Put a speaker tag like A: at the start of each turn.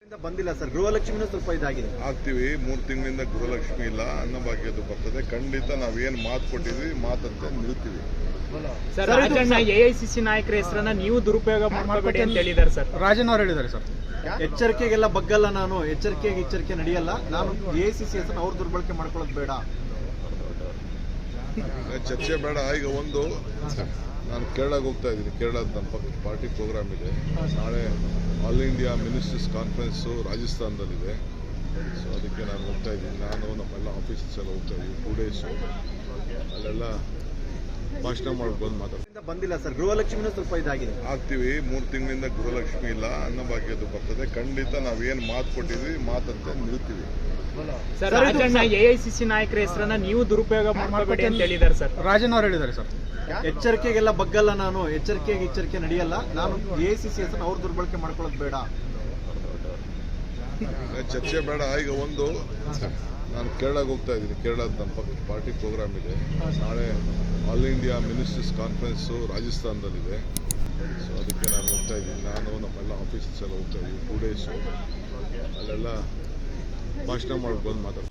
A: ಬಂದಿಲ್ಲ ಸರ್. ಗೃಹಲಕ್ಷ್ಮಿನೂ ಸ್ವಲ್ಪ ಇದಾಗಿದೆ.
B: ಆಗ್ತೀವಿ. 3 ತಿಂಗಳಿಂದ ಗೃಹಲಕ್ಷ್ಮಿ ಇಲ್ಲ, ಅನ್ನಭಾಗ್ಯದ್ದು ಬರ್ತದೆ. ಖಂಡಿತ ನಾವೇನು ಮಾತು ಕೊಟ್ಟಿದ್ವಿ ಮಾತಂತೆ ನಿಲ್ತೀವಿ.
C: ಸರ್, ರಾಜಣ್ಣ ಎಐಸಿಸಿ ನಾಯಕರ ಹೆಸರನ್ನ ನೀವು ದುರುಪಯೋಗ ಮಾಡಬೇಡಿ ಅಂತ ಹೇಳಿದ್ದಾರೆ ಸರ್.
D: ರಾಜನ್ ಅವರು ಹೇಳಿದ್ದಾರೆ ಸರ್.
A: ಎಚ್ಚರಿಕೆಗೆಲ್ಲ ಬಗ್ಗಲ್ಲ ನಾನು, ಎಚ್ಚರಿಕೆ ನಡೆಯಲ್ಲ ನಾನು. ಎಐಸಿಸಿ ಹೆಸರನ್ನ ಅವ್ರು ದುರ್ಬಳಕೆ ಮಾಡ್ಕೊಳ್ಳೋದು ಬೇಡ,
B: ಚರ್ಚೆ ಬೇಡ. ಈಗ ಒಂದು, ನಾನು ಕೇರಳಕ್ಕೆ ಹೋಗ್ತಾ ಇದ್ದೀನಿ. ಕೇರಳದ ನಮ್ಮ ಪಕ್ಕ ಪಾರ್ಟಿ ಪ್ರೋಗ್ರಾಮ್ ಇದೆ. ನಾಳೆ ಆಲ್ ಇಂಡಿಯಾ ಮಿನಿಸ್ಟರ್ಸ್ ಕಾನ್ಫರೆನ್ಸು ರಾಜಸ್ಥಾನದಲ್ಲಿದೆ. ಸೊ ಅದಕ್ಕೆ ನಾನು ಹೋಗ್ತಾ ಇದ್ದೀನಿ. ನಾನು ನಮ್ಮೆಲ್ಲ ಆಫೀಸರ್ಸ್ ಎಲ್ಲ ಹೋಗ್ತಾ ಇದ್ದೀವಿ. 2 ಡೇಸು ಅಲ್ಲೆಲ್ಲ ಭಾಷಣ ಮಾಡ್ಕೊಂಡು ಮಾತಾಡ್ತೀನಿ.
A: ಬಂದಿಲ್ಲ ಸರ್. ಗೃಹಲಕ್ಷ್ಮಿನೂ ಸ್ವಲ್ಪ ಇದಾಗಿದೆ.
B: ಆಗ್ತೀವಿ. 3 ತಿಂಗಳಿಂದ ಗೃಹಲಕ್ಷ್ಮಿ ಇಲ್ಲ, ಅನ್ನಭಾಗ್ಯದ್ದು ಬರ್ತದೆ. ಖಂಡಿತ ನಾವೇನು ಮಾತು ಕೊಟ್ಟಿದ್ವಿ ಮಾತಂತೆ ನಿಲ್ತೀವಿ.
C: ಸರ್, ರಾಜಣ್ಣ ಎಐಸಿಸಿ ನಾಯಕರ ಹೆಸರನ್ನ ನೀವು ದುರುಪಯೋಗ ಮಾಡಬೇಡಿ ಅಂತ ಹೇಳಿದ್ದಾರೆ ಸರ್.
D: ರಾಜನ್ ಅವರು ಹೇಳಿದ್ದಾರೆ ಸರ್.
A: ಎಚ್ಚರಿಕೆಗೆಲ್ಲ ಬಗ್ಗಲ್ಲ ನಾನು, ಎಚ್ಚರಿಕೆ ನಡೆಯಲ್ಲ ನಾನು. ಎಐಸಿಸಿ ಹೆಸರನ್ನ ಅವ್ರು ದುರ್ಬಳಕೆ ಮಾಡ್ಕೊಳ್ಳೋದು ಬೇಡ,
B: ಚರ್ಚೆ ಬೇಡ. ಈಗ ಒಂದು, ನಾನು ಕೇರಳಕ್ಕೆ ಹೋಗ್ತಾ ಇದ್ದೀನಿ. ಕೇರಳದ ನಮ್ಮ ಪಕ್ಕ ಪಾರ್ಟಿ ಪ್ರೋಗ್ರಾಮ್ ಇದೆ. ನಾಳೆ ಆಲ್ ಇಂಡಿಯಾ ಮಿನಿಸ್ಟರ್ಸ್ ಕಾನ್ಫರೆನ್ಸು ರಾಜಸ್ಥಾನದಲ್ಲಿದೆ. ಸೊ ಅದಕ್ಕೆ ನಾನು ಹೋಗ್ತಾ ಇದ್ದೀನಿ. ನಾನು ನಮ್ಮೆಲ್ಲ ಆಫೀಸರ್ಸ್ ಎಲ್ಲ ಹೋಗ್ತಾ ಇದ್ದೀವಿ. 2 ಡೇಸು ಅಲ್ಲೆಲ್ಲ ಭಾಷಣ ಮಾಡ್ಕೊಂಡು ಮಾತಾಡ್ತೀನಿ.